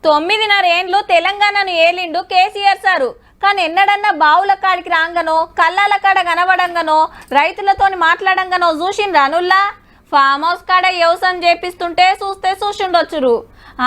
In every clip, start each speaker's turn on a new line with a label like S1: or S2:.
S1: 9.5 ఏండ్లు తెలంగాణను ఏలిండు కేసీఆర్ సారు. కానీ ఎన్నడన్నా బావుల కాడికి రాంగనో కళ్ళాల కాడ కనబడంగానో రైతులతోని మాట్లాడంగానో చూసిండ్రా అనుల్లా? ఫామ్ హౌస్ కాడ వ్యవసాయం చేపిస్తుంటే చూసిండొచ్చురు.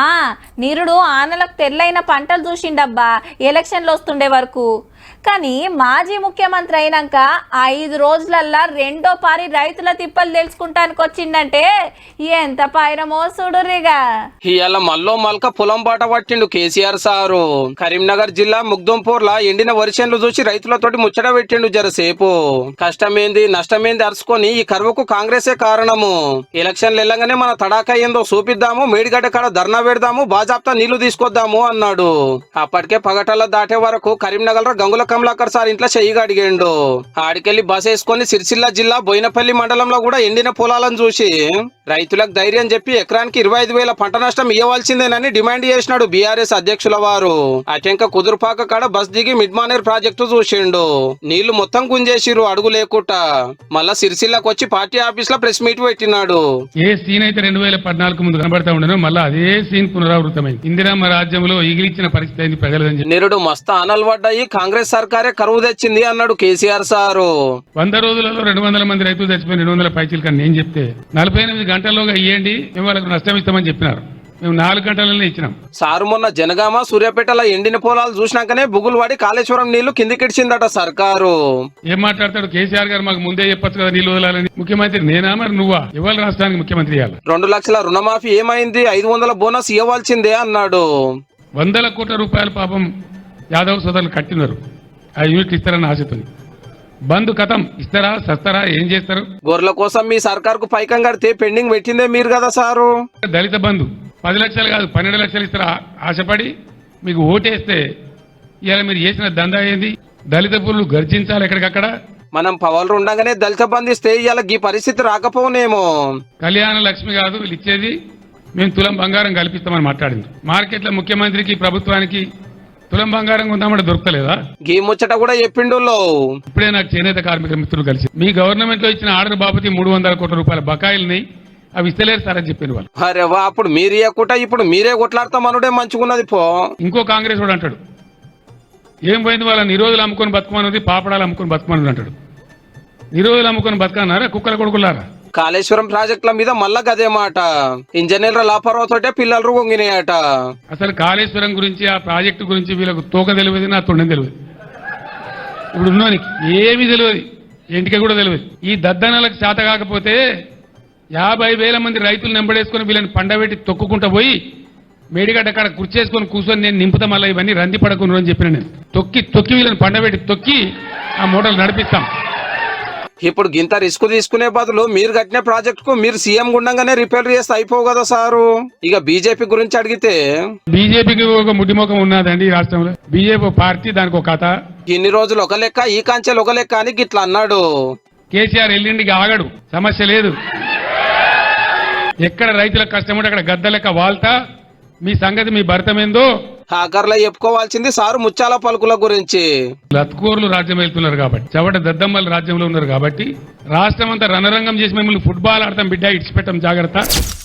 S1: నీరుడు ఆనలకు తెల్లైన పంటలు చూసిండబ్బా ఎలక్షన్లు వస్తుండే వరకు. కానీ మాజీ ముఖ్యమంత్రి అయినాక 5 రోజులల్లా రెండో పారి రైతుల తిప్పలు తెలుసుకుంటానికి వచ్చిందంటే ఎంత పైరమో చూడురిగా.
S2: ఇవాళ మల్లో మల్క పొలం బాట పట్టిండు కేసీఆర్ సారు. కరీంనగర్ జిల్లా ముగ్దుంపూర్లా ఎండిన వరిచేన్లు చూసి రైతులతోటి ముచ్చట పెట్టిండు జరసేపు. కష్టమేంది నష్టమేంది అరుచుకొని ఈ కరువుకు కాంగ్రెసే కారణము. ఎలక్షన్లు వెళ్ళగానే మన తడాకా ఏందో చూపిద్దాము, మేడిగడ్డ కాడ ధర్నా పెడదాము, బాజాప్తా నీళ్లు తీసుకొద్దాము అన్నాడు. అప్పటికే పగటల్ల దాటే వరకు కరీంనగర్ గంగుల కమలాకర్ సార్ ఇంట్లో చెయ్యిగా అడిగాడు. ఆడికెళ్లి బస్ వేసుకొని సిరిసిల్ల జిల్లా బోయినపల్లి మండలంలో కూడా ఎండిన పొలాలను చూసి రైతులకు ధైర్యం చెప్పి ఎకరానికి 25,000 పంట నష్టం ఇవ్వాల్సిందేనని డిమాండ్ చేసినాడు బీఆర్ఎస్ అధ్యక్షుల వారు. అటెంక కుదురుపాక కాడ బస్ దిగి మిడ్మానేర్ ప్రాజెక్టు చూసిండు. నీళ్లు మొత్తం గుంజేసిరు అడుగు లేకుట. మళ్ళా సిరిసిల్లకు వచ్చి పార్టీ ఆఫీస్ లో ప్రెస్ మీట్ పెట్టినాడు.
S3: ఏ సీన్ అయితే 2014 ముందు కనబడతా ఉండను మళ్ళీ అదే సీన్ పునరావృతమైంది. ఇందిరమ్మ రాజ్యంలో ఈగిలిచ్చిన పరిస్థితి అయింది ప్రజలని.
S2: నిరుడు మస్తు అనల్వడ్డాయి, కాంగ్రెస్ సర్కారే కరువు తెచ్చింది అన్నాడు కేసీఆర్ సారు.
S3: 100 రోజులలో 200 మంది రైతులు చచ్చిపోయి 200 పైచీలు కానీ నేను చెప్తే 48 గంటల్లోగా ఇవ్వండి మేము వాళ్ళకు నష్టం ఇస్తామని చెప్పినారు. మేము 4 గంటలనే ఇచ్చినాం.
S2: సారు మొన్న జనగామ సూర్యాపేటలో ఎండిన పొలాలు చూసినాకనే బుగులు వాడి కాళేశ్వరం నీళ్లు కిందికిడిచిందట సర్కారు.
S3: ఏం మాట్లాడతాడు కేసీఆర్ గారు? మాకు ముందే చెప్పొచ్చు కదా నీళ్లు వదలాలని. ముఖ్యమంత్రి నేనా మరి నువ్వా? ఇవాళ రాష్ట్రానికి ముఖ్యమంత్రి ఇవ్వాలి.
S2: 2 లక్షల రుణమాఫీ ఏమైంది? 500 బోనస్ ఇవ్వాల్సిందే అన్నాడు.
S3: 100 కోట్ల రూపాయలు పాపం యాదవ్ సోదరులు కట్టినారు. ఆ యూనిట్ ఇస్తారని ఆశతో బంధు కథం ఇస్తారా సస్తారా ఏం చేస్తారు?
S2: గొర్రెల కోసం మీ సర్కార్ కు పైకం కడితే పెండింగ్ పెట్టిందే మీరు కదా సారు.
S3: దళిత బంధు 10 లక్షలు కాదు 12 లక్షలు ఇస్తారా ఆశపడి మీకు ఓటేస్తే ఇలా మీరు చేసిన దందా ఏంది? దళిత పురులు గర్జించాలి ఎక్కడికక్కడ.
S2: మనం పవర్లు ఉండగానే దళిత బంధు ఇస్తే ఇవాళ ఈ పరిస్థితి రాకపోనేమో.
S3: కళ్యాణ లక్ష్మి కాదు వీళ్ళు ఇచ్చేది, మేము తులం బంగారం కల్పిస్తామని మాట్లాడింది. మార్కెట్లో ముఖ్యమంత్రికి ప్రభుత్వానికి తులం బంగారం ఉందామంటే దొరకలేదా?
S2: గీ ముచ్చట కూడా చెప్పిండు.
S3: ఇప్పుడే నాకు చేనేత కార్మిక మిత్రులు కలిసి మీ గవర్నమెంట్ లో ఇచ్చిన ఆర్డర్ బాబతి 300 కోట్ల రూపాయల బకాయిల్ని అవి ఇస్తలేరు సార్ అని చెప్పిన వాళ్ళు.
S2: అరే వా, అప్పుడు మీరు ఇవ్వకుండా ఇప్పుడు మీరే కొట్లాడతామనుడే మంచుకున్నది పో.
S3: ఇంకో కాంగ్రెస్ వాడు అంటాడు ఏం పోయింది వాళ్ళ నిరోధులు అమ్ముకొని బతుకమన్నది, పాపడాలు అమ్ముకొని బతుకమన్నది అంటాడు. నిరోధులు అమ్ముకొని బతుకన్నారా కుక్కల కొడుకులారా?
S2: కాళేశ్వరం ప్రాజెక్టుల మీద మళ్ళా గదే మాట. ఇంజనీర్ల లాపరవతోటే పిల్లలు వంగినాయట.
S3: అసలు కాళేశ్వరం గురించి ఆ ప్రాజెక్టు గురించి వీళ్ళకు తోక తెలియదు, నా తొండం తెలియదు. ఇప్పుడు ఉన్నోనికి ఏమీ తెలియదు, ఇంటికి కూడా తెలియదు. ఈ దద్దనలకు చేత కాకపోతే 50,000 మంది రైతులు నెంబడేసుకొని వీళ్ళని పండబెట్టి తొక్కుకుంటా పోయి మేడిగడ్డ అక్కడ కుర్చేసుకొని కూర్చొని నేను నింపుతా మళ్ళీ ఇవన్నీ రంది పడకుండా అని చెప్పిన. నేను తొక్కి వీళ్ళని పండబెట్టి తొక్కి ఆ మూటలు నడిపిస్తాం.
S2: ఇప్పుడు గింత రిస్క్ తీసుకునే బదులు మీరు కట్టిన ప్రాజెక్ట్ కు మీరు సీఎం గుండంగానే రిపేర్ చేస్తే అయిపోవు కదా సారు. ఇక బీజేపీ గురించి అడిగితే
S3: బీజేపీకి ఒక ముడిముఖం ఉన్నదండి ఈ రాష్ట్రంలో. బీజేపీ పార్టీ దానికి ఒక కథ.
S2: ఇన్ని రోజులు ఒక లెక్క, ఈ కాంచెలు ఒక లెక్క అని గిట్లా అన్నాడు.
S3: కేసీఆర్ ఎల్లుండికి ఆగడు, సమస్య లేదు. ఎక్కడ రైతులకు కష్టం ఉంటే అక్కడ గద్ద లెక్క వాళ్తా మీ సంగతి మీ భర్తమేందో
S2: హాకర్లో చెప్పుకోవాల్సింది సారు ముత్యాల పలుకుల గురించి.
S3: లత్కోర్లు రాజ్యం వెళ్తున్నారు కాబట్టి, చవట దద్దమ్మలు రాజ్యంలో ఉన్నారు కాబట్టి రాష్ట్రం అంతా రణరంగం చేసి మిమ్మల్ని ఫుట్బాల్ ఆడతాం బిడ్డ, ఇడిచిపెట్టాం జాగ్రత్త.